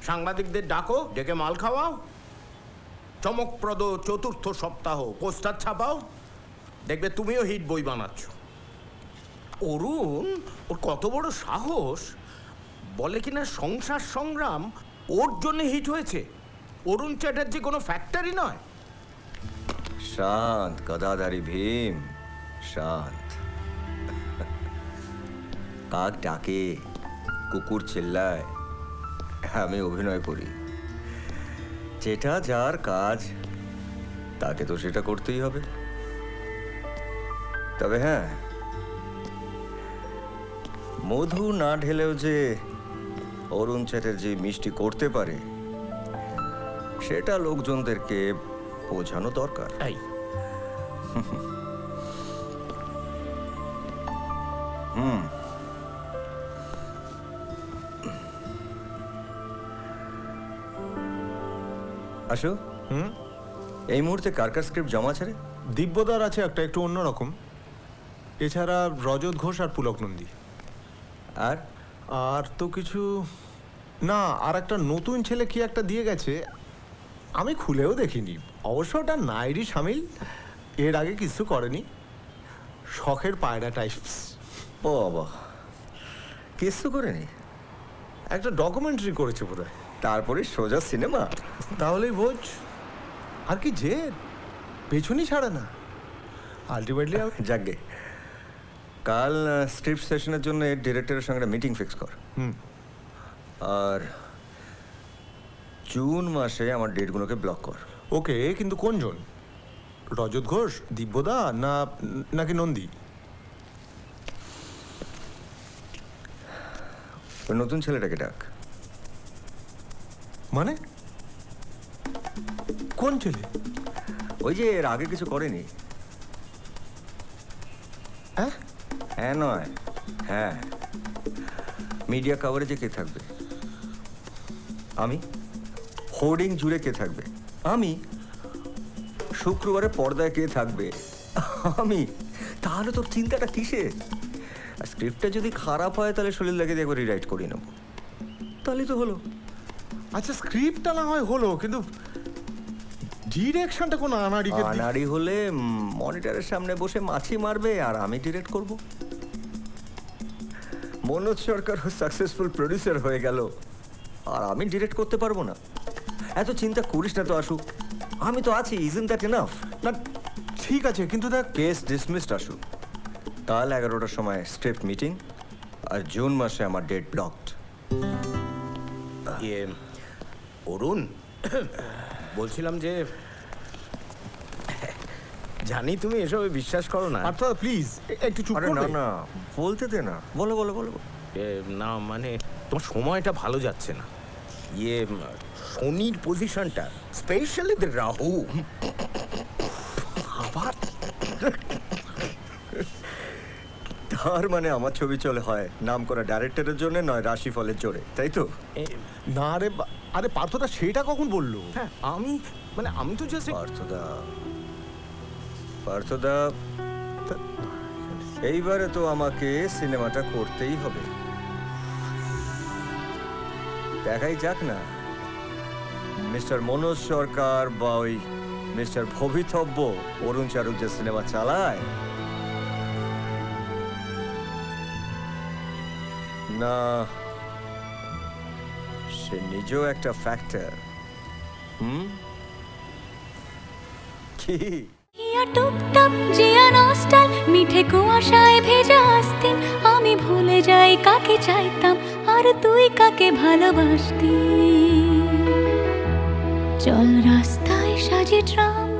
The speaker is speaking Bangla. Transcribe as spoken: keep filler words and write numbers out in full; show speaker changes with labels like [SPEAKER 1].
[SPEAKER 1] সাংবাদিকদের ডাকো, ডেকে মাল খাওয়াও, চমকপ্রদ চতুর্থ সপ্তাহ পোস্টার ছাপাও, দেখবে তুমিও হিট বই বানাচ্ছ। অরুণ, ওর কত বড় সাহস, বলে কিনা সংসার সংগ্রাম ওর জন্য হিট হয়েছে। অরুণ চ্যাটার্জি কোনো ফ্যাক্টরি নয়।
[SPEAKER 2] শান্ত গদাধারী ভীম, শান্ত। কাক ডাকে, কুকুর চিল্লায়, আমি অভিনয় করি। যেটা যার কাজ তাকে তো সেটা করতেই হবে। তবে হ্যাঁ, মধু না ঢেলেও যে অরুণ চ্যাটার্জি মিষ্টি করতে পারে সেটা লোকজনদেরকে বোঝানো দরকার।
[SPEAKER 1] এই
[SPEAKER 2] হুম আসো।
[SPEAKER 3] হুম
[SPEAKER 2] এই মুহূর্তে কার কার স্ক্রিপ্ট জমা আছে রে?
[SPEAKER 3] দিব্যদার আছে একটা, একটু অন্যরকম। এছাড়া রজত ঘোষ আর পুলক নন্দী।
[SPEAKER 2] আর
[SPEAKER 3] আর তো কিছু না। আর একটা নতুন ছেলে কি একটা দিয়ে গেছে, আমি খুলেও দেখিনি। অবশ্য ওটা নাইরি সামিল, এর আগে কিছু করেনি। শখের পায়রা টাইপস।
[SPEAKER 2] বাবা, কিছু করেনি?
[SPEAKER 3] একটা ডকুমেন্টারি করেছে বোধহয়।
[SPEAKER 2] তারপরে সোজা সিনেমা।
[SPEAKER 3] তাহলেই বোঝ। আর কি যে পেছনই ছাড়ে না আলটিমেটলি।
[SPEAKER 2] যাকগে, কাল স্ক্রিপ্ট সেশনের জন্য ডিরেক্টরের সঙ্গে মিটিং ফিক্স কর।
[SPEAKER 3] হুম
[SPEAKER 2] আর জুন মাসে আমার ডেটগুলোকে ব্লক কর।
[SPEAKER 3] ওকে, কিন্তু কোনজন? রজত ঘোষ, দিব্যদা, না নাকি নন্দী?
[SPEAKER 2] ওই নতুন ছেলেটাকে ডাক।
[SPEAKER 3] মানে কোন ছেলে?
[SPEAKER 2] ওই যে এর আগে কিছু করেনি।
[SPEAKER 3] হ্যাঁ
[SPEAKER 2] হ্যাঁ নয়, হ্যাঁ। মিডিয়া কাভারেজে কে থাকবে? আমি। হোর্ডিং জুড়ে কে থাকবে? আমি। শুক্রবারে পর্দায় কে থাকবে? আমি। তাহলে তোর চিন্তাটা কিসে? আর স্ক্রিপ্টটা যদি খারাপ হয় তাহলে শরীর লাগে দিয়ে একবার রিরাইট করিয়ে নেবো, তাহলেই তো হলো।
[SPEAKER 3] আচ্ছা, স্ক্রিপ্টটা না হয় হলো, কিন্তু ডিরেকশনটা কোন আনাড়িকে দি-
[SPEAKER 2] আনাড়ি হলে মনিটরের সামনে বসে মাছি মারবে আর আমি ডিরেক্ট করব। মনোজ সরকার সাকসেসফুল প্রডিউসার হয়ে গেল আর আমি ডিরেক্ট করতে পারবো না? এত চিন্তা করিস না তো আসু, আমি তো আছি। Isn't that enough?
[SPEAKER 3] না ঠিক আছে, কিন্তু দেখ,
[SPEAKER 2] কেস ডিসমিসড আসু। কাল এগারোটার সময় স্ক্রিপ্ট মিটিং, আর জুন মাসে আমার ডেট ব্লকড।
[SPEAKER 1] ইয়ে অরুণ, বলছিলাম যে জানি তুমি এসবে বিশ্বাস করো না।
[SPEAKER 3] অর্থাৎ প্লিজ একটু চুপ
[SPEAKER 2] আরে না
[SPEAKER 3] করবে?
[SPEAKER 2] না, বলতে দে না। বলো বলো বলো।
[SPEAKER 1] এ, না মানে তোমার সময়টা ভালো যাচ্ছে না। ইয়ে উম, শনির পজিশনটা, স্পেশালি দ্য রাহু।
[SPEAKER 3] আবার
[SPEAKER 2] তার মানে আমার ছবি চলে হয় নাম করা ডাইরেক্টরের জন্য, নয় রাশিফলের জোরে, তাই তো?
[SPEAKER 1] এ,
[SPEAKER 3] না রে বা- আরে পার্থদা সেটা কখন বললো?
[SPEAKER 1] হ্যাঁ আমি মানে আমি তো জাস্ট
[SPEAKER 2] পার্থদা, পার্থদা, এইবারে তো আমাকে সিনেমাটা করতেই হবে। দেখাই যাক না মিস্টার মনোজ সরকার বা ওই মিস্টার ভবিতব্য অরুণ চারুক যে সিনেমা চালায়, না সে নিজেও একটা ফ্যাক্টর। হুম, কি?
[SPEAKER 4] ইয়া টুপটাপ জিয়া নস্টাল মিঠে কুয়াশায় ভেজা আস্তিন আমি ভুলে যাই কাকে চাইতাম আর তুই কাকে ভালোবাসতি চল রাস্তায় সাজে ট্রাম